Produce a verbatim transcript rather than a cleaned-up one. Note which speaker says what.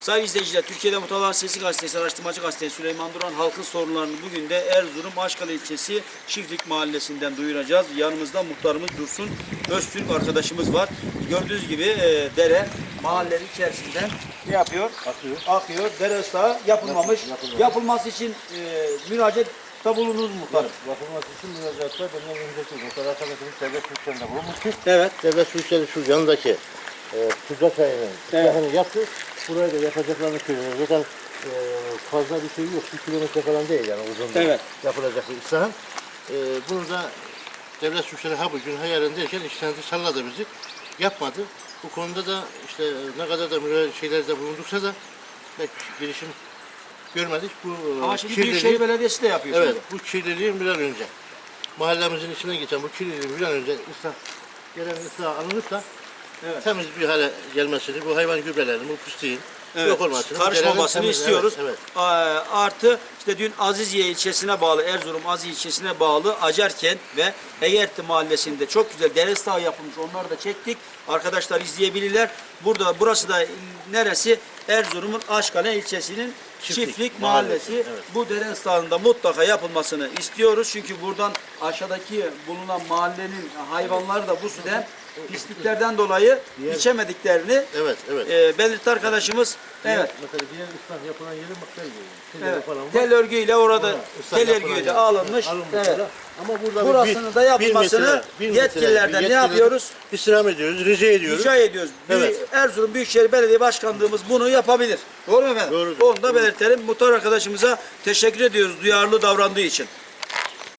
Speaker 1: Sayın izleyiciler, Türkiye'de Muhtarların Sesi Gazetesi, Araştırmacı Gazetesi Süleyman Duran halkın sorunlarını bugün de Erzurum Aşkalı ilçesi Çiftlik Mahallesi'nden duyuracağız. Yanımızda muhtarımız Dursun Öztürk arkadaşımız var. Gördüğünüz gibi e, dere mahallenin içerisinden ne yapıyor?
Speaker 2: Akıyor.
Speaker 1: Akıyor. Dere ıslahı yapılmamış.
Speaker 2: Yapılmamış.
Speaker 1: Yapılması için e, müracaat bulundunuz muhtarım.
Speaker 2: Yapılması için müracaatta benim önceki muhtar arkadaşımız devlet suçlarında bulunmuştur.
Speaker 1: Evet.
Speaker 2: Devlet suçları şu yanındaki e, tuzak ayının silahını yaptı. Burayı da yapacaklarını söylüyor. Zaten e, fazla bir şey yok. Bir kilometre falan değil yani uzunluğu.
Speaker 1: Evet.
Speaker 2: Yapılacak bir ıslahın. E, bunu da devlet suçları ha bugün ha yarın derken işlendi salladı bizi. Yapmadı. Bu konuda da işte ne kadar da müracaat şeylerde bulunduksa da pek girişim görmedik. Bu
Speaker 1: Ama şimdi
Speaker 2: kirliliği-
Speaker 1: Büyükşehir Belediyesi de yapıyor.
Speaker 2: Evet,
Speaker 1: şimdi.
Speaker 2: bu kirliliğin bir an önce mahallemizin içinden geçen bu kirliliğin bir an önce ıslah, gelen ıslah alınıp da
Speaker 1: Evet.
Speaker 2: temiz bir hale gelmesini, bu hayvan gübrelerinin, bu pisliğin
Speaker 1: Evet,
Speaker 2: yok olmasını,
Speaker 1: karışmamasını
Speaker 2: derenin temiz-
Speaker 1: istiyoruz.
Speaker 2: Evet,
Speaker 1: Aa, Artı işte dün Aziziye ilçesine bağlı, Erzurum Aziziye ilçesine bağlı Acarkent ve Egerti mahallesinde çok güzel dere ıslahı yapılmış. Onları da çektik. Arkadaşlar izleyebilirler. Burada burası da neresi? Erzurum'un Aşkale ilçesinin Çiftlik,
Speaker 2: Çiftlik
Speaker 1: Mahallesi.
Speaker 2: Mahallesi, evet.
Speaker 1: Bu dere ıslahında mutlaka yapılmasını istiyoruz. Çünkü buradan aşağıdaki bulunan mahallenin hayvanları da bu sudan pisliklerden dolayı
Speaker 2: Diğer-
Speaker 1: içemediklerini
Speaker 2: evet, evet.
Speaker 1: e, belirtti arkadaşımız. Evet.
Speaker 2: Mesela diğer ıslah yapılan yerin baktel gibi.
Speaker 1: Evet.
Speaker 2: Falan var.
Speaker 1: Tel örgüyle orada
Speaker 2: Orada ıslah
Speaker 1: tel
Speaker 2: yapılan
Speaker 1: örgüyle
Speaker 2: yer.
Speaker 1: alınmış.
Speaker 2: Alınmış
Speaker 1: Evet.
Speaker 2: orada. Ama burada
Speaker 1: Burasını
Speaker 2: bir-
Speaker 1: da yapılmasını
Speaker 2: bir metre, bir metre,
Speaker 1: yetkililerden
Speaker 2: bir
Speaker 1: ne yapıyoruz?
Speaker 2: İstirham ediyoruz, rica ediyoruz.
Speaker 1: Rica ediyoruz.
Speaker 2: Evet.
Speaker 1: Büyük- Erzurum Büyükşehir Belediye Başkanlığımız bunu yapabilir. Doğru mu efendim?
Speaker 2: Doğrudur.
Speaker 1: Onu da belirtelim. Muhtar arkadaşımıza teşekkür ediyoruz duyarlı davrandığı için.